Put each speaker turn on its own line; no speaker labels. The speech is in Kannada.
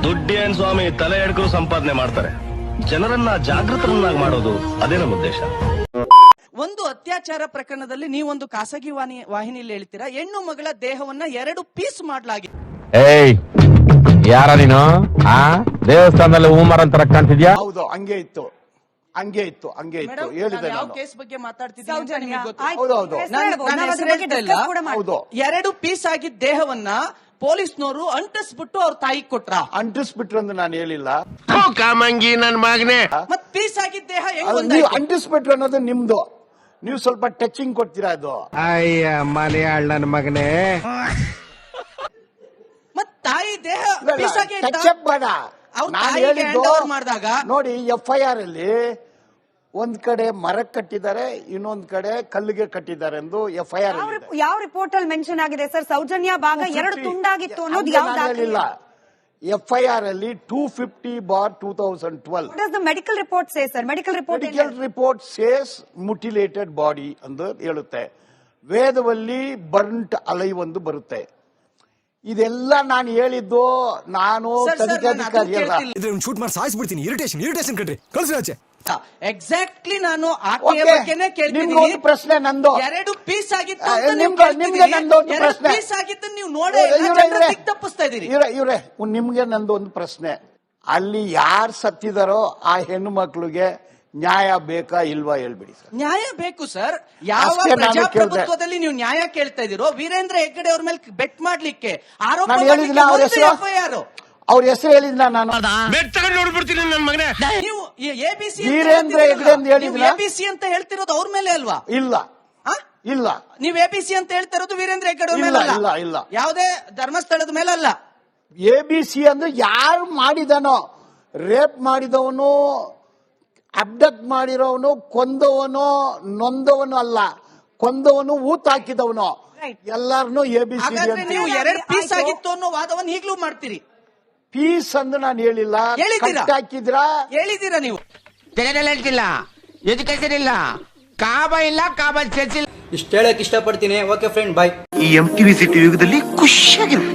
ದುಡ್ಡೇನ್ ಸ್ವಾಮಿ ತಲೆ ಎಡ್ಕರು ಸಂಪಾದನೆ ಮಾಡ್ತಾರೆ. ಜನರನ್ನ ಜಾಗೃತರನ್ನಾಗಿ ಮಾಡೋದು ಅದೇ ನಮ್ಮ ಉದ್ದೇಶ.
ಒಂದು ಅತ್ಯಾಚಾರ ಪ್ರಕರಣದಲ್ಲಿ ನೀವೊಂದು ಖಾಸಗಿ ವಾಹಿನಿಯಲ್ಲಿ ಹೇಳ್ತೀರಾ, ಹೆಣ್ಣು ಮಗಳ ದೇಹವನ್ನ 2 ಪೀಸ್ ಮಾಡಲಾಗಿದೆ.
ಏಯ್ ಯಾರ ನೀನು? ದೇವಸ್ಥಾನದಲ್ಲಿ ಹೂಮರ ಅಂತ ಕಾಣ್ತಿದ್ಯಾ?
ಹೌದು, ಹಂಗೆ ಇತ್ತು ಹೇಳಿದೆ.
ಯಾವ ಕೇಸ್ ಬಗ್ಗೆ ಮಾತಾಡ್ತಿದ್ದೀನಿ? 2 ಪೀಸ್ ಆಗಿದ್ದ ದೇಹವನ್ನ ಪೊಲೀಸ್ನವರು ಅಂಟಿಸ್ಬಿಟ್ಟು ಅವ್ರ ತಾಯಿಗೆ ಕೊಟ್ರ.
ಅಂಟಿಸ್ಬಿಟ್ರು ಅಂತ ನಾನು ಹೇಳಿಲ್ಲ.
ಕಾಮಂಗಿ ನನ್ ಮಗನೇ.
ಮತ್ ಪೀಸ್ ಆಗಿದ್ದ ದೇಹ ಹೆಂಗ್
ಅಂಟಿಸ್ಬಿಟ್ರು ಅನ್ನೋದು ನಿಮ್ದು. ನೀವು ಸ್ವಲ್ಪ ಟಚಿಂಗ್ ಕೊಡ್ತೀರಾ ಅದು.
ಅಯ್ಯ ಮಲಯಾಳ ನನ್ ಮಗನೇ.
ಮತ್ ತಾಯಿ ದೇಹ ಪೀಸ್ ಆಗಿ
ಟಚಪ್ ಬೇಡ.
ಮಾಡಿದಾಗ
ನೋಡಿ, FIR ಅಲ್ಲಿ ಒಂದ್ ಕಡೆ ಮರಕ್ಕೆ ಕಟ್ಟಿದ್ದಾರೆ, ಇನ್ನೊಂದ್ ಕಡೆ ಕಲ್ಲಿಗೆ ಕಟ್ಟಿದ್ದಾರೆ ಎಂದು FIR
ಯಾವ ರಿಪೋರ್ಟ್ ಅಲ್ಲಿ ಮೆನ್ಷನ್ ಆಗಿದೆ ಸರ್? ಸೌಜನ್ಯ ಭಾಗ 2 ತುಂಡಾಗಿತ್ತು ಅನ್ನೋದು
ಯಾವ್ದಾಗಲಿಲ್ಲ. FIR ಅಲ್ಲಿ 250/2012.
Medical report say sir. Medical
report says mutilated body ಅಂತ ಹೇಳುತ್ತೆ. ವೇದದಲ್ಲಿ ಬರ್ಂಟ್ ಅಲೈ ಒಂದು ಬರುತ್ತೆ. ಇದೆಲ್ಲ ನಾನು ಹೇಳಿದ್ದು. ನಾನು ತನಿಖಾಧಿಕಾರಿ ಅಲ್ಲ.
ಶೂಟ್ ಮಾಡಿ ಸಾಯಿಸ್ಬಿಡ್ತೀನಿ. ಇರಿಟೇಷನ್ ಕಣ್ರಿ, ಕಳ್ಸಿ ಆಚೆ.
ಎಕ್ಸಾಕ್ಟ್ಲಿ ನಾನು ಆಕೆಯ ಬಗ್ಗೆನೇ ಕೇಳ್ತಿದ್ದೀನಿ.
ಪ್ರಶ್ನೆ ನಂದು.
2 ಪೀಸ್ ಆಗಿತ್ತು, ಪೀಸ್ ಆಗಿದ್ದು ನೀವು ನೋಡಿ ತಪ್ಪಿಸ್ತಾ ಇದೀರಿ.
ಇವ್ರೆ, ನಿಮ್ಗೆ ನಂದು ಒಂದು ಪ್ರಶ್ನೆ. ಅಲ್ಲಿ ಯಾರು ಸತ್ತಿದಾರೋ ಆ ಹೆಣ್ಣು ಮಕ್ಳಿಗೆ ನ್ಯಾಯ ಬೇಕಾ ಇಲ್ವಾ ಹೇಳ್ಬಿಡಿ ಸರ್.
ನ್ಯಾಯ ಬೇಕು ಸರ್. ಯಾವ ಪ್ರಜಾಪ್ರಭುತ್ವದಲ್ಲಿ ನೀವು ನ್ಯಾಯ ಕೇಳ್ತಾ ಇದೀರೋ? ವೀರೇಂದ್ರ ಹೆಗ್ಗಡೆ ಅವ್ರ ಮೇಲೆ ಬೆಟ್ ಮಾಡ್ಲಿಕ್ಕೆ ಆರೋಪ
ಅವ್ರ ಹೆಸರು ಹೇಳಿದ್ನ ನಾನು.
ನೋಡ್ಬಿಡ್ತೀನಿ ನನ್ನ ಮಗನೇ.
ನೀವು ABC
ವೀರೇಂದ್ರ ಹೆಗ್ಗಡೆ ಅಂತ ಹೇಳಿದ್ನ.
ABC ಅಂತ ಹೇಳ್ತಿರೋದು ಅವ್ರ ಮೇಲೆ ಅಲ್ವಾ?
ಇಲ್ಲ.
ನೀವು ABC ಅಂತ ಹೇಳ್ತಾ ಇರೋದು ವೀರೇಂದ್ರ ಹೆಗ್ಗಡೆ ಅವ್ರ ಮೇಲೆ
ಇಲ್ಲ.
ಯಾವುದೇ ಧರ್ಮಸ್ಥಳದ ಮೇಲೆ ಅಲ್ಲ.
ABC ಅಂದ್ರೆ ಯಾರು ಮಾಡಿದನೋ, ರೇಪ್ ಮಾಡಿದವನು, ಅಬ್ಡಕ್ಟ್ ಮಾಡಿರೋವನು, ಕೊಂದವನು, ನೊಂದವನು ಅಲ್ಲ, ಕೊಂದವನು, ಊತ ಹಾಕಿದವನು, ಎಲ್ಲಾರನು ABC.
ನೀವು 2 ಪೀಸ್ ಆಗಿತ್ತು ಅನ್ನೋ ವಾದವನ್ನು ಈಗಲೂ ಮಾಡ್ತೀರಿ.
ಪೀಸ್ ಅಂದ್ರೆ ನಾನು ಹೇಳಿಲ್ಲ. ಹೇಳಿದ್ದೀರಾ ನೀವು?
ಹೇಳ್ತಿಲ್ಲ, ಎಜುಕೇಶನ್ ಇಲ್ಲ, ಕಾಬ ಇಲ್ಲ, ಕಾಬ ಚರ್ಚ್ ಇಲ್ಲ.
ಇಷ್ಟ ಹೇಳಕ್ ಇಷ್ಟಪಡ್ತೀನಿ. Okay friend, bye.
ಈ MTV ಸಿಟಿ ಯುಗದಲ್ಲಿ ಖುಷಿಯಾಗಿರು.